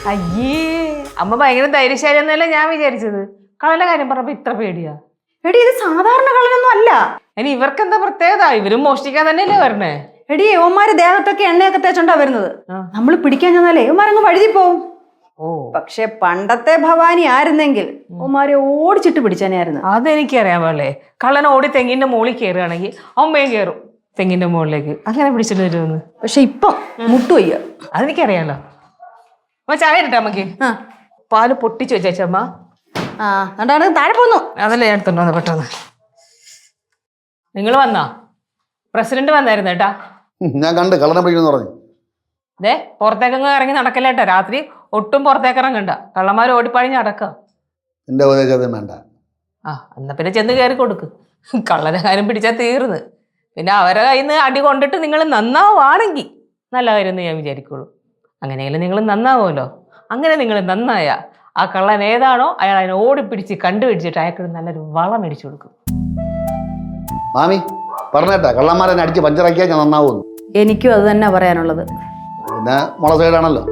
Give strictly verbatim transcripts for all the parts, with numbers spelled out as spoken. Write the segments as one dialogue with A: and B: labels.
A: അയ്യേ അമ്മ ഭയങ്കര ധൈര്യശാലി എന്നല്ലേ ഞാൻ വിചാരിച്ചത്. കള്ളന്റെ കാര്യം പറഞ്ഞപ്പോ ഇത്ര പേടിയാ?
B: എടി ഇത് സാധാരണ കള്ളനൊന്നും അല്ല.
A: ഇനി ഇവർക്ക് എന്താ പ്രത്യേകത? ഇവരും മോഷ്ടിക്കാൻ തന്നെയല്ലേ വരണേ?
B: എടി യവന്മാര് ദേഹത്തൊക്കെ എണ്ണയൊക്കെ തേച്ചോണ്ടാ വരുന്നത്. നമ്മൾ പിടിക്കാൻ ചെന്നാലേ യവന്മാരങ്ങ് വഴുതി പോവും.
A: ഓ
B: പക്ഷെ പണ്ടത്തെ ഭവാനി ആയിരുന്നെങ്കിൽ യവന്മാരെ ഓടിച്ചിട്ട് പിടിച്ചാനായിരുന്നു.
A: അതെനിക്കറിയാൻ പാടില്ലേ. കള്ളൻ ഓടി തെങ്ങിന്റെ മുകളിൽ കയറുകയാണെങ്കിൽ അമ്മയും കയറും തെങ്ങിന്റെ മുകളിലേക്ക്. അങ്ങനെ പിടിച്ചിട്ട് വരുമെന്ന്.
B: പക്ഷെ ഇപ്പം മുട്ടുവയ്യ.
A: അതെനിക്കറിയാലോ. അമ്മ ചായ ഇട്ടാ അമ്മക്ക്.
B: ആ
A: പാല് പൊട്ടിച്ചു വെച്ചമ്മ.
B: ആ കണ്ടാണ് താഴെ പോന്നു.
A: അതല്ലേ ഞാൻ എടുത്തോണ്ട് പെട്ടെന്ന്. നിങ്ങൾ വന്നാ? പ്രസിഡന്റ് വന്നായിരുന്നു കേട്ടാ.
C: ഞാൻ കണ്ട് കള്ളനെ പിടിക്കുന്നു പറഞ്ഞു.
A: അതെ പുറത്തേക്കങ്ങ് ഇറങ്ങി നടക്കല്ലേട്ടാ. രാത്രി ഒട്ടും പുറത്തേക്ക് ഇറങ്ങണ്ട. കള്ളന്മാർ ഓടിപ്പഴിഞ്ഞ് അടക്ക.
C: എന്റെ ഉപദേശം വേണ്ട.
A: ആ എന്നാ പിന്നെ ചെന്ന് കയറി കൊടുക്ക്. കള്ളനെ കാര്യം പിടിച്ചാൽ തീർന്ന്. പിന്നെ അവരെ കയ്യിൽ നിന്ന് അടി കൊണ്ടിട്ട് നിങ്ങൾ നന്നാവുകയാണെങ്കിൽ നല്ല കാര്യമെന്ന് ഞാൻ വിചാരിക്കുള്ളൂ. അങ്ങനെയെങ്കിലും നിങ്ങൾ നന്നാവുമല്ലോ. അങ്ങനെ നിങ്ങൾ നന്നായ ആ കള്ളൻ ഏതാണോ അയാൾ അതിനെ ഓടിപ്പിടിച്ച് കണ്ടുപിടിച്ചിട്ട് അയാൾക്ക് നല്ലൊരു വളം മേടിച്ചു കൊടുക്കും.
C: മാമി പറഞ്ഞേട്ടാ കള്ളന്മാരെ അടിച്ച് പഞ്ചറാക്കിയാൽ ഞാൻ നന്നാവുന്നു.
B: എനിക്കും അത് തന്നെ പറയാനുള്ളത്.
C: പിന്നെ മുള സൈഡാണല്ലോ.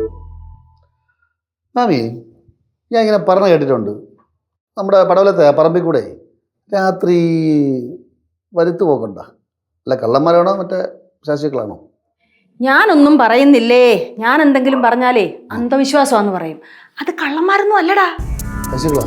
C: മാമി ഞാൻ ഇങ്ങനെ പറഞ്ഞു കേട്ടിട്ടുണ്ട്, നമ്മുടെ പടവലത്തെ പറമ്പിൽ കൂടെ രാത്രി വരുത്തു പോക്കണ്ട. അല്ല കള്ളന്മാരാണോ മറ്റേ ശാസ്ത്രികളാണോ?
B: ഞാനൊന്നും പറയുന്നില്ലേ. ഞാൻ എന്തെങ്കിലും പറഞ്ഞാലേ അന്ധവിശ്വാസമാന്ന് പറയും. അത് കള്ളന്മാരൊന്നും അല്ലടാ.
C: ശാസ്ത്രികളാ?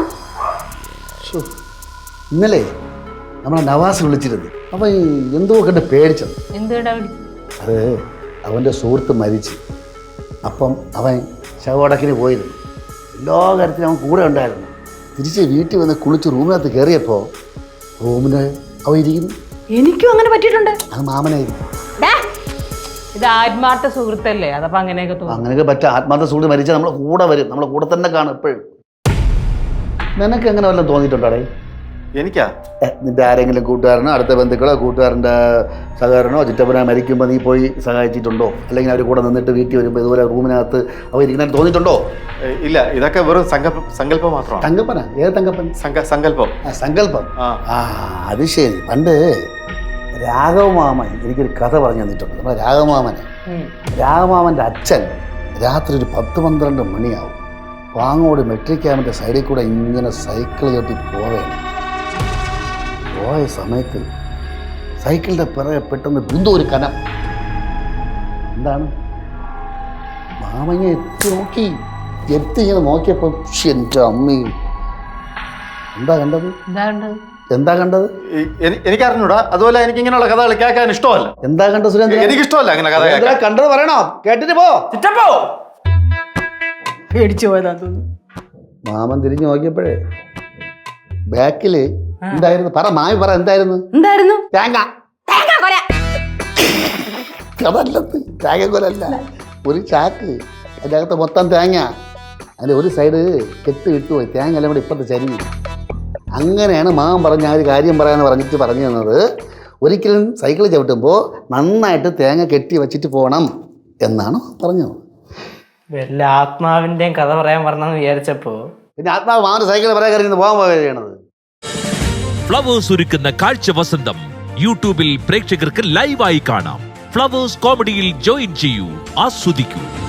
C: ഇന്നലെ നമ്മളെ നവാസ് വിളിച്ചിരുന്നു. അവൻ എന്തോ കണ്ട് പേടിച്ചത്.
A: എന്തുകൊണ്ടാ?
C: അത് അവൻ്റെ സുഹൃത്ത് മരിച്ച്. അപ്പം അവൻ ശവടക്കിന് പോയിരുന്നു. എല്ലാ കാര്യത്തിലും അവൻ കൂടെ ഉണ്ടായിരുന്നു. തിരിച്ച് വീട്ടിൽ വന്ന് കുളിച്ച് റൂമിനകത്ത് കയറിയപ്പോൾ റൂമിന് അവൻ ഇരിക്കുന്നു.
B: എനിക്കും അങ്ങനെ പറ്റിയിട്ടുണ്ട്.
C: അത് മാമനായിരുന്നു.
A: ഇത് ആത്മാർത്ഥ സുഹൃത്തല്ലേ? അതപ്പോ അങ്ങനെയൊക്കെ തോന്നും.
C: അങ്ങനെയൊക്കെ പറ്റുക. ആത്മാർത്ഥ സുഹൃത്ത് മരിച്ചാൽ നമ്മളെ കൂടെ വരും, നമ്മളെ കൂടെ തന്നെ കാണും എപ്പോഴും. നിനക്ക് എങ്ങനെ വല്ലതും തോന്നിയിട്ടുണ്ടോടേ?
D: എനിക്കാ?
C: നിന്റെ ആരെങ്കിലും കൂട്ടുകാരനോ അടുത്ത ബന്ധുക്കളോ കൂട്ടുകാരൻ്റെ സഹകരണോ ചുറ്റപ്പനോ മരിക്കുമ്പോൾ നീ പോയി സഹായിച്ചിട്ടുണ്ടോ? അല്ലെങ്കിൽ അവർ കൂടെ നിന്നിട്ട് വീട്ടിൽ വരുമ്പോൾ ഇതുപോലെ റൂമിനകത്ത് അവർ ഇരിക്കുന്ന തോന്നിയിട്ടുണ്ടോ?
D: ഇല്ല, ഇതൊക്കെ വെറും സങ്കല്പം സങ്കല്പം മാത്രമാണ്.
C: തങ്കപ്പനാ? ഏത് തങ്കപ്പൻ?
D: സങ്കല്പം.
C: ആ സങ്കല്പം. ആ അത് ശരി. പണ്ട് രാഘവമാമൻ എനിക്കൊരു കഥ പറഞ്ഞു തന്നിട്ടുണ്ട്. നമ്മുടെ രാഘവമാമനെ രാഘവമാമൻ്റെ അച്ഛൻ രാത്രി ഒരു പത്ത് പന്ത്രണ്ട് മണിയാവും പാങ്ങോട് മെട്രിക് ക്യാമ്പിൻ്റെ സൈഡിൽ കൂടെ ഇങ്ങനെ സൈക്കിൾ ചവിട്ടി പോവുകയാണ്. പോയ സമയത്ത് സൈക്കിളിൻ്റെ പിറകെ പെട്ടെന്ന് ബിന്ദു ഒരു കനം. എന്താണ്? മാമങ്ങ എത്തി നോക്കി. എത്തി ഇങ്ങനെ നോക്കിയപ്പോൾ എൻ്റെ അമ്മ എന്താ കണ്ടത്? എന്താ കണ്ടത്?
D: എനിക്ക് അറിഞ്ഞൂടാ. അതുപോലെ എനിക്ക് ഇങ്ങനെയുള്ള കഥകൾ കേൾക്കാൻ ഇഷ്ടമല്ല.
C: എന്താ കണ്ടത് സുരേന്ദ്രൻ?
D: എനിക്ക് ഇഷ്ടമല്ല അങ്ങനെ കഥ.
C: കണ്ടത് പറയണോ? കേട്ടിട്ട് പോ.
B: പേടിച്ചു പോയതാ തോന്നുന്നു.
C: മാമൻ തിരിഞ്ഞു നോക്കിയപ്പോഴേ ബാക്കില് എന്തായിരുന്നു? പറ മാമി പറ. എന്തായിരുന്നു?
B: എന്തായിരുന്നു?
C: തേങ്ങ. അതല്ലത്, തേങ്ങക്കൊലല്ല. ഒരു ചാക്ക്, അതിൻ്റെ അകത്ത് മൊത്തം തേങ്ങ. അതിൻ്റെ ഒരു സൈഡ് കെട്ട് വിട്ടുപോയി. തേങ്ങ എല്ലാം കൂടെ ഇപ്പത്തെ ചരിഞ്ഞു. അങ്ങനെയാണ് മാമൻ പറഞ്ഞ ആ ഒരു കാര്യം പറയാന്ന് പറഞ്ഞിട്ട് പറഞ്ഞു തന്നത്. ഒരിക്കലും സൈക്കിൾ ചവിട്ടുമ്പോൾ നന്നായിട്ട് തേങ്ങ കെട്ടി വെച്ചിട്ട് പോകണം എന്നാണ് പറഞ്ഞത്.
E: വല്ല ആത്മാവിന്റെയും കഥ പറയാൻ പറഞ്ഞെന്ന് വിചാരിച്ചപ്പോ
C: പിന്നെ ആത്മാവ് മാമന്റെ സൈക്കിൾ പറയാൻ കറിയുന്നത് പോകാൻ പോവുകയാണ്.
F: ഫ്ലവേഴ്സ് ഒരുക്കുന്ന കാഴ്ച വസന്തം യൂട്യൂബിൽ പ്രേക്ഷകർക്ക് ലൈവായി കാണാം. ഫ്ലവേഴ്സ് കോമഡിയിൽ ജോയിൻ ചെയ്യൂ, ആസ്വദിക്കൂ.